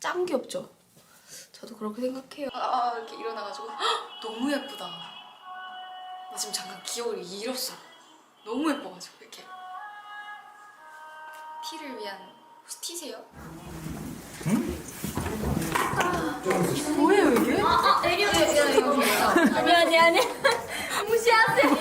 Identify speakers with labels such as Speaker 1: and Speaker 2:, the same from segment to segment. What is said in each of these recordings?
Speaker 1: 짱 귀엽죠? 저도 그렇게 생각해요. 이렇게 일어나가지고 너무 예쁘다. 나 지금 잠깐 기억을 잃었어. 너무 예뻐가지고 이렇게. 티를 위한 혹시 티세요? 응? 뭐예요 이게?
Speaker 2: 아니 무시하세요.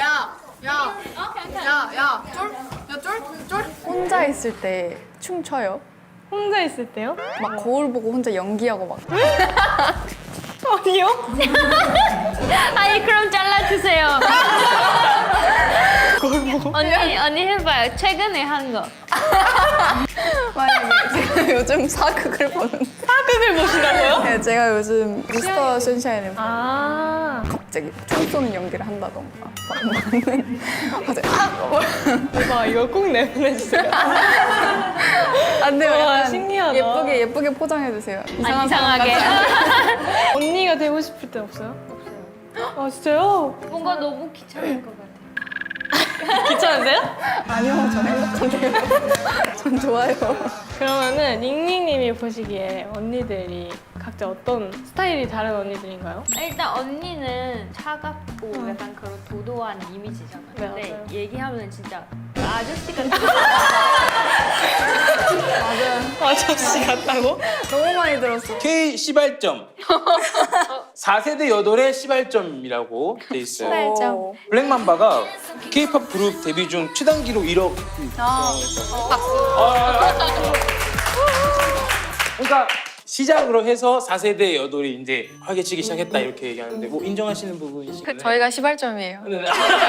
Speaker 1: 쫄?
Speaker 3: 혼자 있을 때 춤춰요?
Speaker 2: 혼자 있을 때요?
Speaker 3: 막 거울 보고 혼자 연기하고 막.
Speaker 2: 아니요. 아니 그럼 잘라주세요. 언니 해봐요. 최근에 한 거.
Speaker 3: 만약에 제가 요즘 사극을 보는.
Speaker 2: 사극을 보시라고요?
Speaker 3: 네, 제가 요즘 미스터 선샤인을
Speaker 2: 아.
Speaker 3: 갑자기 총 쏘는 연기를 한다던가. 갑자기
Speaker 2: 와 이거 꼭 내보내주세요.
Speaker 3: 안 돼요.
Speaker 2: 와,
Speaker 3: 약간
Speaker 2: 신기하다.
Speaker 3: 예쁘게 포장해 주세요.
Speaker 2: 이상하게. 언니가 되고 싶을 때 없어요? 없어요. 아 진짜요? 뭔가 너무 귀찮을 것 같아요. 귀찮으세요?
Speaker 3: 아니요, 전 행복한데요. 전 좋아요.
Speaker 2: 그러면은 닝닝님이 보시기에 언니들이 각자 어떤 스타일이 다른 언니들인가요?
Speaker 4: 일단 언니는 차갑고 약간 그런 도도한 이미지잖아요.
Speaker 2: 네,
Speaker 4: 근데
Speaker 2: 맞아요.
Speaker 4: 얘기하면 진짜 아저씨 같은
Speaker 2: 아저씨 같다고?
Speaker 3: 너무 많이 들었어.
Speaker 5: K 시발점 4세대 여돌의 시발점이라고 돼 있어요.
Speaker 3: 시발점.
Speaker 5: 블랙맘바가 K-팝 그룹 데뷔 중 최단기로 1억. 그러니까 시작으로 해서 4세대 여돌이 이제 활개치기 시작했다 이렇게 얘기하는데 뭐 인정하시는 부분이신가요?
Speaker 3: 저희가 시발점이에요.
Speaker 5: 네.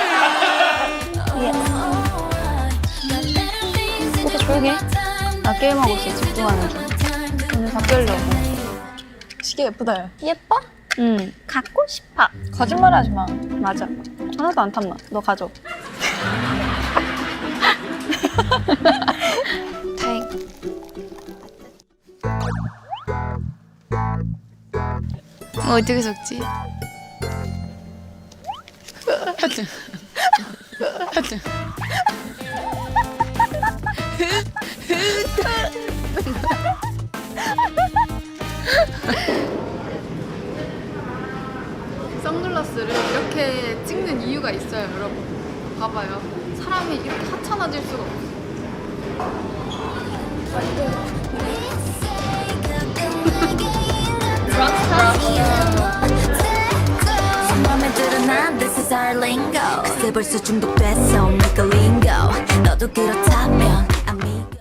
Speaker 3: 오빠 조용히 해. 나 게임하고 있어. 집중하는 중. 오늘 바뀌려고. 시계 예쁘다.
Speaker 2: 예뻐? 응. 갖고 싶어.
Speaker 3: 거짓말 하지 마.
Speaker 2: 맞아.
Speaker 3: 하나도 안 탐나. 너 가져. 다행. 어떻게 적지? 하여튼. 선글라스를 이렇게 찍는 이유가 있어요, 여러분. 봐봐요. 사람이 이렇게 하찮아질 수가 없어.
Speaker 6: 맘에 들어 난 this is our lingo. 그새 벌써 중독됐어, 니가 lingo. 너도 그렇다면